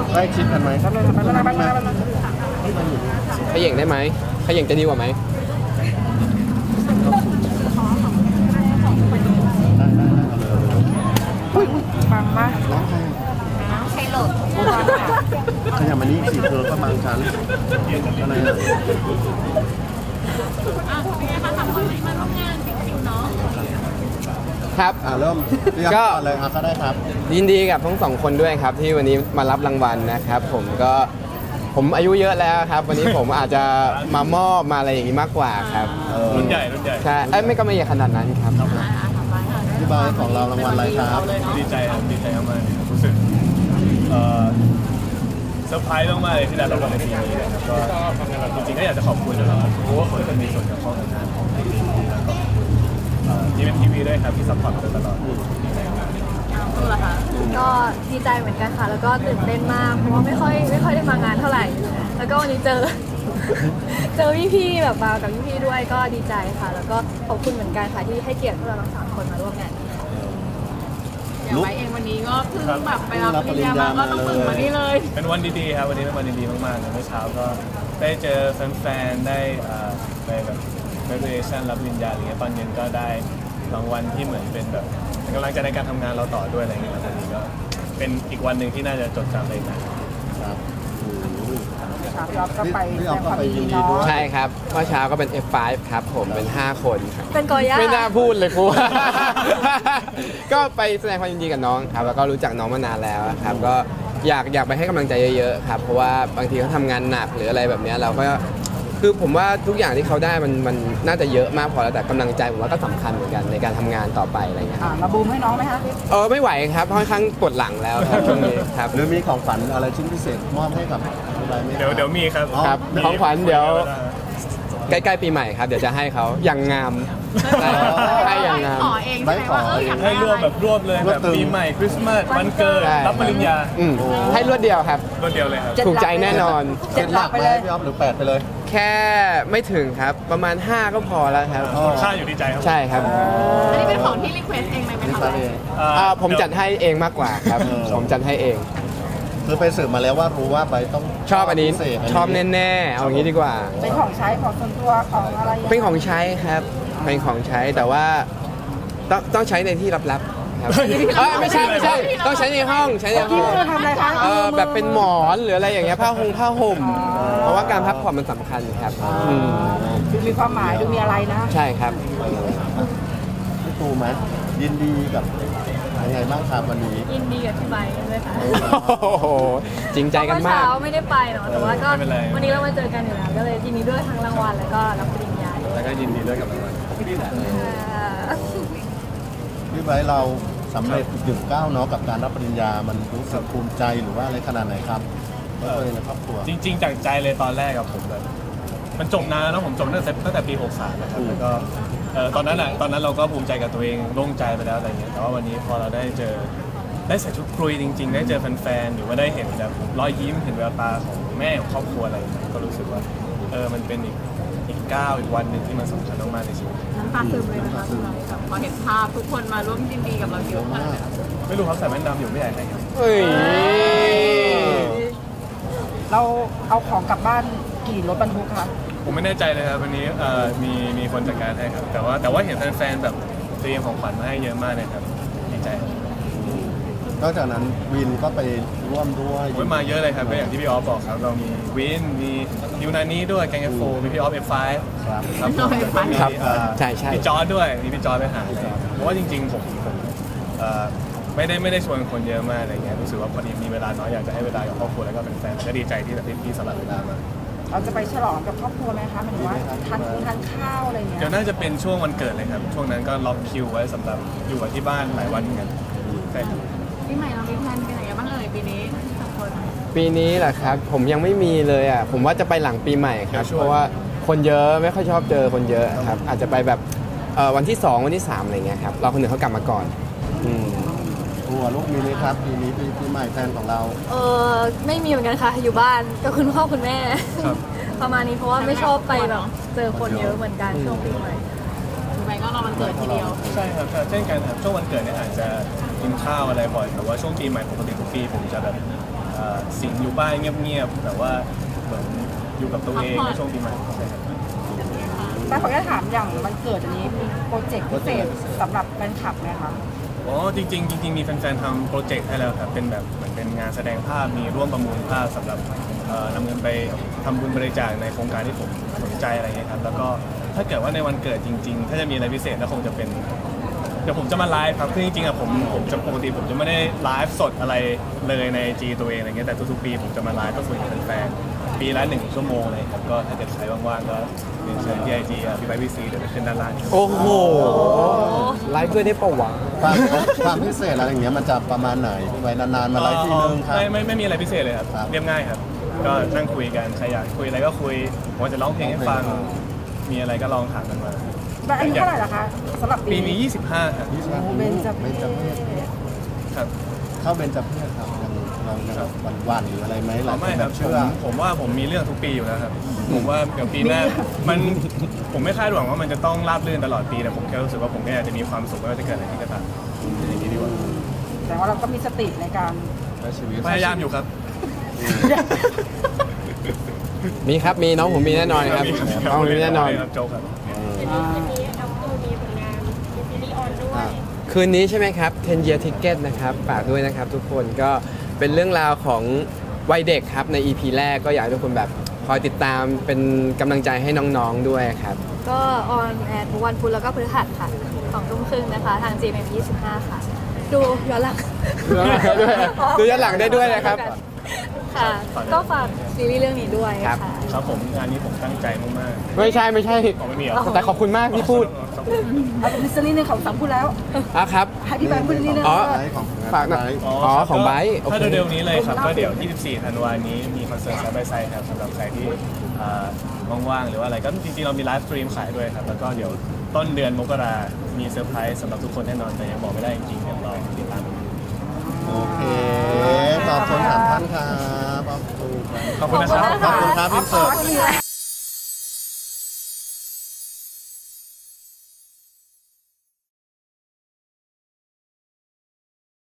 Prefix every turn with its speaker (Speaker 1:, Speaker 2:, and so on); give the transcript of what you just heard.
Speaker 1: ใกล้ชิดกันไหมครับ
Speaker 2: ขย่งได้ไหมขย่งจะดีกว่าไหม
Speaker 3: ฟังมาก
Speaker 1: น้องใคร
Speaker 3: ใช้โหลด
Speaker 1: ขยับมานี่สิเธอก็บางชั้นอะไรอ่ะ
Speaker 2: ครับ
Speaker 1: เริ่มเรียก
Speaker 2: ก็
Speaker 1: ก่อนเลยก็ได้ครับ
Speaker 2: ยินดีกับทั้งสองคนด้วยครับที่วันนี้มารับรางวัลนะครับผมอายุเยอะแล้วครับ วันนี้ผมอาจจะมามอบมาอะไรอย่างนี้มากกว่าครับ
Speaker 4: รุ่นใหญ่
Speaker 2: ใช่ไม่ก็ไม่ใหญ่ขนาดนั้นครับ
Speaker 1: ที่บายของเรารางวัลอะไรครับ
Speaker 4: ดีใจครับดีใจมากๆรู้สึกเซอร์ไพรส์มากๆเลยที่ได้รับรางวัลในปีนี้นะครับก็จริงๆก็อยากจะขอบคุณนะครับเพราะว่าคนที่มีส่วนเกี่ยวข้องกับงานของทีวีแล้วก็ที่เป็นทีวีด้วยครับที่ซัพพอร์ตมาโดยตลอด
Speaker 5: ก็ดีใจเหมือนกันค่ะ แล้วก็ตื่นเต้นมากเพราะว่าไม่ค่อยได้มางานเท่าไหร่ แล้วก็วันนี้เจอ เจอพี่ๆแบบมากับพี่ๆด้วยก็ดีใจค่ะ แล้วก็ขอบคุณเหมือนกันค่ะที่ให้เกียรติพวกเราทั้งสามคนมาร่วมงานนี้ค่ะ
Speaker 3: อย่างไรเองวันนี้ก็เพิ่งแบบไปรับปริญญามาก็ต้องตื่นมานี่เลย
Speaker 4: เป็นวันดีๆครับวันนี้เป็นวันดีๆมากๆเลยเมื่อเช้าก็ได้เจอแฟนๆได้ไปแบบ graduation รับปริญญาอะไรเงี้ยตอนเย็นก็ได้รางวัลที่เหมือนเป็นแบบเป็นกำลังใจในการทำงานเราต่อด้วยอะไรเงี้ยวันนี้ก็เป็นอีกวันหนึ่งที่น่าจะจดจำเลยนะครับ
Speaker 3: พี่อ๊อฟก็ไป
Speaker 1: พี่
Speaker 3: แส
Speaker 1: อ๊
Speaker 3: ด
Speaker 1: อฟ
Speaker 3: งค
Speaker 1: ก็
Speaker 3: วาม
Speaker 1: ไป
Speaker 3: ยิน
Speaker 1: ยิ
Speaker 3: ดี
Speaker 1: นดี
Speaker 3: เนาะ
Speaker 1: ด้วย
Speaker 2: ใช่ครับเมื่อเช้าก็เป็น F5 ครับผมเป็น 5 คนครับ
Speaker 5: เป็นกอย่า
Speaker 2: ไม่น่าพูดเลยครู ก็ไปแสดงความยินดีกับน้องครับ แล้วก็รู้จักน้องมานานแล้วครับ ก็อยากไปให้กำลังใจเยอะๆครับ เพราะว่าบางทีเขาทำงานหนักหรืออะไรแบบเนี้ยเราก็คือผมว่าทุกอย่างที่เขาได้มันน่าจะเยอะมากพอแล้วแต่กำลังใจผมว่าก็สำคัญเหมือนกันในการทำงานต่อไปอะไรเงี้ย
Speaker 3: มาบูมให้น้องไหมคะ
Speaker 2: ไม่ไหวครับค่อนข้างปวดหลังแล้วครับช่วงนี้ครับ
Speaker 1: หรือมีของขวัญอะไรชิ้นพิเศษมอบให้กับอะไรไหม
Speaker 4: เดี๋ยวมีครับ
Speaker 2: ครับ
Speaker 4: มี
Speaker 2: ของขวัญเดี๋ยว ใกล้ๆปีใหม่ครับเดี๋ยวจะให้เขาอย่างงามให้อย่างงาม
Speaker 3: ขอเอง
Speaker 1: ไว้
Speaker 3: ใช่ไหม
Speaker 1: ขอ
Speaker 3: ว่าอยาก
Speaker 4: ให้รวบแบบรวบเลย
Speaker 1: รว
Speaker 4: แบบ บ
Speaker 1: ตึง
Speaker 4: ปีใหม่คริสต์มาสวันเกิด
Speaker 2: ใช่
Speaker 4: รับปริญญา
Speaker 2: ให้รวดเดียวครับ
Speaker 4: รวดเดียวเลยครับ
Speaker 2: ถูกใจแน่นอน
Speaker 1: เจ็ดหลักไหมพี่อ๊อฟหรือ8ไปเลย
Speaker 2: แค่ไม่ถึงครับประมาณ 5 ก็พอแล้วครับ
Speaker 1: อ๋อ
Speaker 4: ค่าอยู่ที่ใจครับ
Speaker 2: ใช่ครับ
Speaker 3: อันนี้เป็นของที่รีเควสเองไหม
Speaker 1: นี่
Speaker 3: คะ
Speaker 1: ครับเอง
Speaker 2: ผมจัดให้เองมากกว่าครับ ผมจัดให้เอง
Speaker 1: คือไปสืบมาแล้วว่ารู้ว่าไปต้อง
Speaker 2: ชอบอันนี้
Speaker 1: พิเศษ
Speaker 2: ชอบแน่ๆเอางี้ดีกว่า
Speaker 3: เป็นของใช้ของส่วนตัวของอะไร
Speaker 2: เป็นของใช้ครับเป็นของใช้แต่ว่าต้องใช้ในที่ลับๆครับไม่ใช่ต้องใช้ในห้องใช้ในห้
Speaker 3: ที่
Speaker 2: อง
Speaker 3: เธอทำอะไรคะ
Speaker 2: แบบเป็นหมอนหรืออะไรอย่างเงี้ยผ้าห่มเพราะว่าการพักผ่อนมันสำคัญครับม
Speaker 3: ดูมีความหมายดูมีอะไรนะ
Speaker 2: ใช่ครับ
Speaker 1: พี่ตูไหมยินดีกับยังไงบ้างครับวันนี้
Speaker 5: ยินดีกับพี่ไบค์ด้วยค่ะ
Speaker 2: โอ้โหจริงใจกัน
Speaker 5: เมื่อ
Speaker 2: มาก
Speaker 5: เช้าไม่ได้ไปเนาะแต่ว่าก็
Speaker 4: ไม่เป็นไร
Speaker 5: วันนี้เรามาเจอกันอยู่แล้วก็เลยยินดีด้วยทั้งรางวัลแล้วก็รับปริญญาด้วย
Speaker 4: แล้วก็ยินดีด้วยกับรางวัล
Speaker 1: พี่ไบร์ทเราสำเร็จถึงก้าวเนาะกับการรับปริญญา มันรู้สึกภูมิใจหรือว่าอะไรขนาดไหนครับก็เลยในครอบครัว
Speaker 4: จริงๆจากใจเลยตอนแรกกับผมแบบมันจบนานแล้วเนอะผมจบตั้งแต่ปี 63นะครับแล้วก็ตอนนั้นเราก็ภูมิใจกับตัวเองโล่งใจไปแล้วอะไรเงี้ยแต่ว่าวันนี้พอเราได้ใส่ชุดคุยจริงๆ ได้เจอแฟนๆหรือว่าได้เห็นแบบรอยยิ้มเห็นแววตาของแม่ของครอบครัวอะไรอย่างเงี้ยก็รู้สึกว่ามันเป็นอีกก้าวอีกวันหนึ่งที่มันสำคัญมากๆในชีวิต
Speaker 3: น้ำตาซึมเลยนะคะแบบพอเห็นภาพทุกคนมาร่วมยินดีกับเราเยอะมาก
Speaker 4: ไม่รู้เขาใส่แว่นดำอยู่ไม่ใหญ่ไหนครับ
Speaker 2: เฮ้ย
Speaker 3: เราเอาของกลับบ้านกี่รถบรรทุกคะ
Speaker 4: ผมไม่แน่ใจเลยครับวันนี้มีคนจัดการให้ครับแต่ว่าเห็นแฟนๆแบบเตรียมของขวัญมาให้เยอะมากเลยครับดีใจครับ
Speaker 1: นอกจากนั้นวินก็ไปร่วมด้วย
Speaker 4: โอ้ยมาเยอะเลยครับก็อย่างที่พี่ออฟบอกครับเรามีวินมียูนานี้ด้วยแกงเอฟโฟมีพี่ออฟF5
Speaker 1: ครับ
Speaker 4: ครับผมแล้วก็มี
Speaker 2: ครับใช่
Speaker 4: พี่จอร์ดด้วยมีพี่จอร์ดไปหาเลยเพราะว่าจริงๆผมไม่ได้ชวนคนเยอะมากอะไรเงี้ยรู้สึกว่าพอดีมีเวลาน้อยอยากจะให้เวลากับครอบครัวแล้วก็เป็นแฟนก็ดีใจที่แบบพี่สลับเวลามา
Speaker 3: เราจะไปฉลองกับครอบครัวไหมคะหมายถึงว่าทานข้าวอะไรเงี้ย
Speaker 4: เดี๋ยวน่าจะเป็นช่วงวันเกิดเลยครับช่วงนั้นก็ล็อกคิวไว้สำหรับอยู่กับที่บ้านหลายวันเหมือนกันใช่ครับ
Speaker 3: ปีใหม่เรามีแพลนไปไหนกันบ้างเอ่ยปีนี้สองคน
Speaker 2: ปีนี้แหละครับผมยังไม่มีเลยอ่ะผมว่าจะไปหลังปีใหม่ครับเพราะว่าคนเยอะไม่ค่อยชอบเจอคนเยอะครับอาจจะไปแบบวันที่ 2 วันที่ 3อะไรเงี้ยครับเราคนอื่นเขากลับมาก่อนอืม
Speaker 1: ตัวลูกมีไหมครับปีนี้ปีใหม่แฟนของเรา
Speaker 5: ไม่มีเหมือนกันค่ะอยู่บ้านกับคุณพ่อคุณแม่
Speaker 4: ครับ
Speaker 5: ประมาณนี้เพราะว่าไม่ชอบไปแบบเจอคนเยอะเหมือนกันช่วงปีใหม่
Speaker 3: ปีใหม่ก็รอวันเกิดทีเดียว
Speaker 4: ใช่ครับเช่นกันครับช่วงวันเกิดเนี่ยอาจจะกินข้าวอะไรบ่อยแต่ว่าช่วงปีใหม่ปกติทุกปีผมจะแบบสิงอยู่บ้านเงียบๆแต่ว่าเหมือนอยู่กับตัวเองในช่วงปีใหม่ใช่ครับ
Speaker 6: แต่ขออนุญาตถามอย่างวันเกิดอันนี้มีโปรเจกต์พิเศษสำหรับแฟนคลับไหมคะ
Speaker 4: อ๋อจริงๆมีแฟนๆทำโปรเจกต์ให้แล้วครับเป็นแบบเหมือนเป็นงานแสดงภาพมีร่วมประมูลภาพสำหรับนำเงินไปทำบุญบริจาคในโครงการที่ผมสนใจอะไรเงี้ยครับแล้วก็ถ้าเกิดว่าในวันเกิดจริงๆถ้าจะมีอะไรพิเศษก็คงจะเป็นเดี๋ยวผมจะมาไลฟ์ครับคือจริงๆอะผมจะปกติผมจะไม่ได้ไลฟ์สดอะไรเลยใน IG ตัวเองอะไรเงี้ยแต่ทุกๆปีผมจะมาไลฟ์ก็คุยกับแฟนๆปีละ1 ชั่วโมงเลยครับก็ถ้าเกิดใครว่างๆก็เรียนเชิญที่ IG พี่ไบค์พี่ซีเดี๋ยวจะขึ้นด้านล่างนี้
Speaker 2: โอ้โหไลฟ์ด้วยได้ปะวะ
Speaker 1: ความพิเศษอะไรอย่างเงี้ยมันจะประมาณไหนพี่ไว้นานๆมาไลฟ์ทีนึงครับ
Speaker 4: ไม่มีอะไรพิเศษเลยครับ
Speaker 1: ครับ
Speaker 4: เรียบง่ายครับ ก็นั่งคุยกันใครอยากคุยอะไรก็คุยผมว่าจะร้องเพลงให้ฟัง มีอะไรก็ลองถามกันมา
Speaker 6: แล้วอายุเท่าไหร่ล่ะคะสำหรับ
Speaker 4: ปีนี้ 25 ครับ
Speaker 6: เบนจเพ
Speaker 1: เบญจเพศ
Speaker 4: ครับ
Speaker 1: เข้าเบญจเพศครับเราจะวันหรืออะไรไหมหลายค
Speaker 4: ไม่
Speaker 1: น
Speaker 4: ค
Speaker 1: แบ
Speaker 4: รับบ
Speaker 1: เชื่อ
Speaker 4: ผมว่าผมมีเรื่องทุกปีอยู่แล้วครับ ผมว่าเดี๋ยวปีหน้าผมไม่คาดหวังว่ามันจะต้องราบรื่นตลอดปีแต่ผมแค่รู้สึกว่าผมก็อยากจะมีความสุขไม่ว่าจะเกิดอะไรขึ้นก็ตามอย่างนี้ดีกว่า
Speaker 6: แต่ว่าเราก็มีสติในการ
Speaker 4: พยายามอยู่ครับ
Speaker 2: มีครับมีน้องผมมีแน่นอนครับน้องผมมีแน่นอน
Speaker 4: ครับโจ๊กครับ
Speaker 2: คืนนี้ใช่ไหมครับ 10 Year Ticket นะครับฝากด้วยนะครับทุกคนก็เป็นเรื่องราวของวัยเด็กครับใน EP แรกก็อยากให้ทุกคนแบบคอยติดตามเป็นกำลังใจให้น้องๆด้วยครับ
Speaker 5: ก็ออนแอร์ทุกวันพุธแล้วก็พฤหัสค่ะ2 ทุ่มครึ่งนะคะ ทาง GMM25 ค่ะ ดูย้อนหลัง
Speaker 2: ดูย้อนหลังได้ด้วยนะครับ
Speaker 5: ค่ะ ก็ฝากซีรีส์เรื่องนี้ด้วย
Speaker 2: ครับ
Speaker 5: ค่ะ
Speaker 4: ครับผมงานนี้ผมตั้งใจมาก
Speaker 2: ไม่ใช่
Speaker 4: ๆอ๋อไม่มีเหรอ
Speaker 2: แต่ขอบคุณมากที่พูด
Speaker 6: เอาเป็นมิสซิลี่นึงของสามพูดแล้ว
Speaker 2: ครับ
Speaker 6: ให้พี่แบงค์พูดนิดนึง
Speaker 2: อ๋อ
Speaker 1: ไลฟ์ของ
Speaker 2: ฝากหน่อย
Speaker 1: ไลฟ์
Speaker 2: อ๋อของไบร์ทโอเค
Speaker 4: ถ้าเร็วๆนี้เลยครับ ก็เดี๋ยว 24 ธันวาคมนี้มีคอนเสิร์ตไซด์บายไซด์ครับสำหรับใครที่ว่างๆหรือว่าอะไรก็จริงๆเรามีไลฟ์สตรีมขายด้วยครับ แล้วก็เดี๋ยวต้นเดือนมกรามีเซอร์ไพรส์สำหรับทุกคนแน่นอนแต่ยังบอกไม่ได้จริงๆเดี๋ยวรอติดตามดู
Speaker 1: โอเคขอบคุณ3 ท่านครับขอบคุณ
Speaker 4: ขอบคุณนะครับ
Speaker 1: ขอบคุณครับพี่เสิร์ฟ